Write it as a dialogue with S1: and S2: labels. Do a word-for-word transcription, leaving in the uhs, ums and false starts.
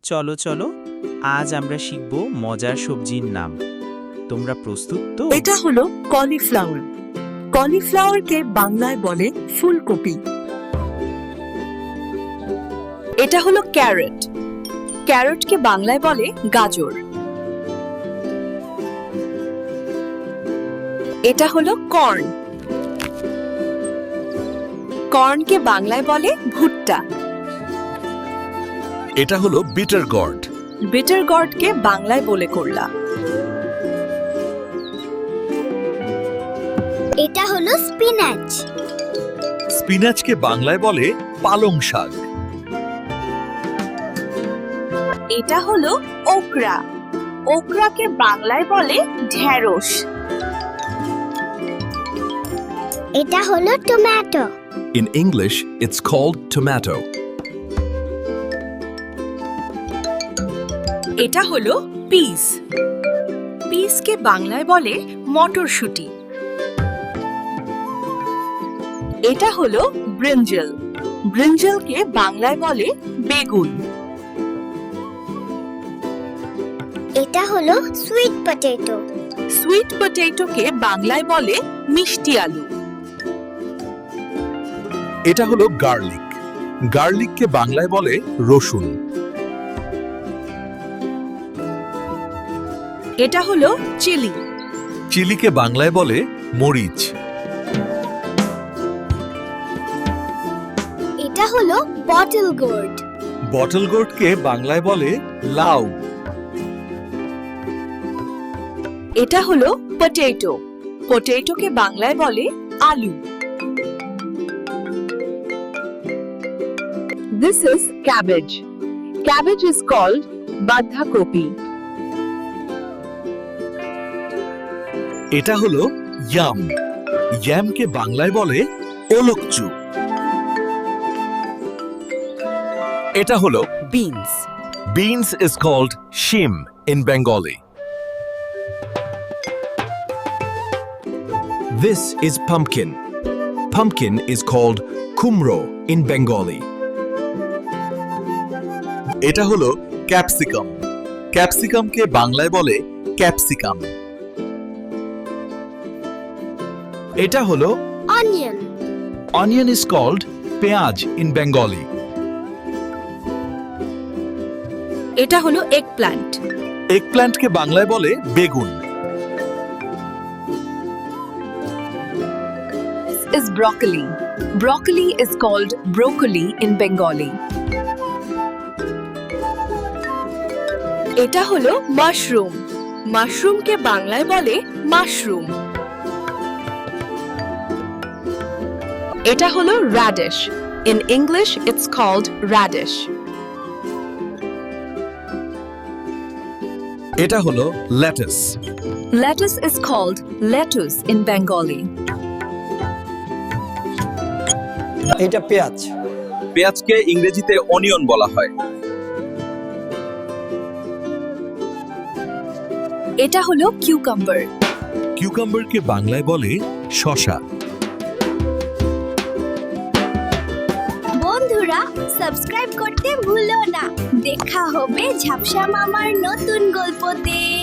S1: চলো চলো আজ আমরা শিখব মজার সবজির নাম। তোমরা প্রস্তুত তো?
S2: এটা হলো কলিফ্লাওয়ার। কলিফ্লাওয়ারকে বাংলায় বলে ফুলকপি। এটা হলো ক্যারট। ক্যারটকে বাংলায় বলে গাজর। এটা হলো কর্ন। কর্নকে বাংলায় বলে ভুট্টা।
S3: এটা হলো বিটার গর্ড।
S2: বিটার গর্ডকে বাংলায় বলে করলা।
S4: এটা হলো স্পিনাচ।
S3: স্পিনাচকে বাংলায় বলে পালং শাক।
S2: এটা হলো ওকরা। ওকরাকে বাংলায় বলে ঢেঁড়স।
S4: এটা হলো tomato.
S3: In English, it's called tomato.
S2: এটা হলো পিস। পিসকে বাংলায় বলে মটরশুঁটি। এটা হলো ব্রিঞ্জল। ব্রিঞ্জলকে বাংলায় বলে বেগুন।
S4: এটা হলো সুইট পটেটো।
S2: সুইট পটেটোকে বাংলায় বলে মিষ্টি আলু।
S3: এটা হলো গার্লিক। গার্লিককে বাংলায় বলে রসুন।
S2: এটা হলো চিলি।
S3: চিলিকে বাংলায় বলে মরিচ।
S4: এটা হলো বটল গোর্ড।
S3: বটল গোর্ডকে বাংলায় বলে লাউ।
S2: এটা হলো পটেটো। পটেটোকে বাংলায় বলে আলু। This is cabbage. Cabbage is called বাঁধাকপি।
S3: এটা হলো ইয়াম। ইয়ামকে বাংলায় বলে ওলকচু। এটা হলো
S2: beans.
S3: beans is called shim in Bengali. This is pumpkin. Pumpkin is called kumro in Bengali. এটা হলো ক্যাপসিকাম। ক্যাপসিকামকে বাংলায় বলে ক্যাপসিকাম। এটা হলো
S4: অনিয়ন।
S3: অনিয়ন is called পেঁয়াজ in Bengali.
S2: এটা হলো এগ প্ল্যান্ট।
S3: এগপ্ল্যান্টকে বাংলায় বলে বেগুন।
S2: This is broccoli. Broccoli is called broccoli in Bengali. এটা হলো মাশরুম। মাশরুমকে বাংলায় বলে মাশরুম। এটা হলো radish. In English it's called radish.
S3: এটা হলো lettuce.
S2: Lettuce is called lettuce in Bengali.
S5: এটা পেঁয়াজ।
S3: পেঁয়াজকে ইংরেজিতে অনিয়ন বলা হয়।
S2: এটা হলো কিউকাম্বার।
S3: কিউকাম্বারকে বাংলায় বলে শসা।
S4: বন্ধুরা সাবস্ক্রাইব করতে ভুলো না। দেখা হবে ঝাপসা মামার নতুন গল্পতে।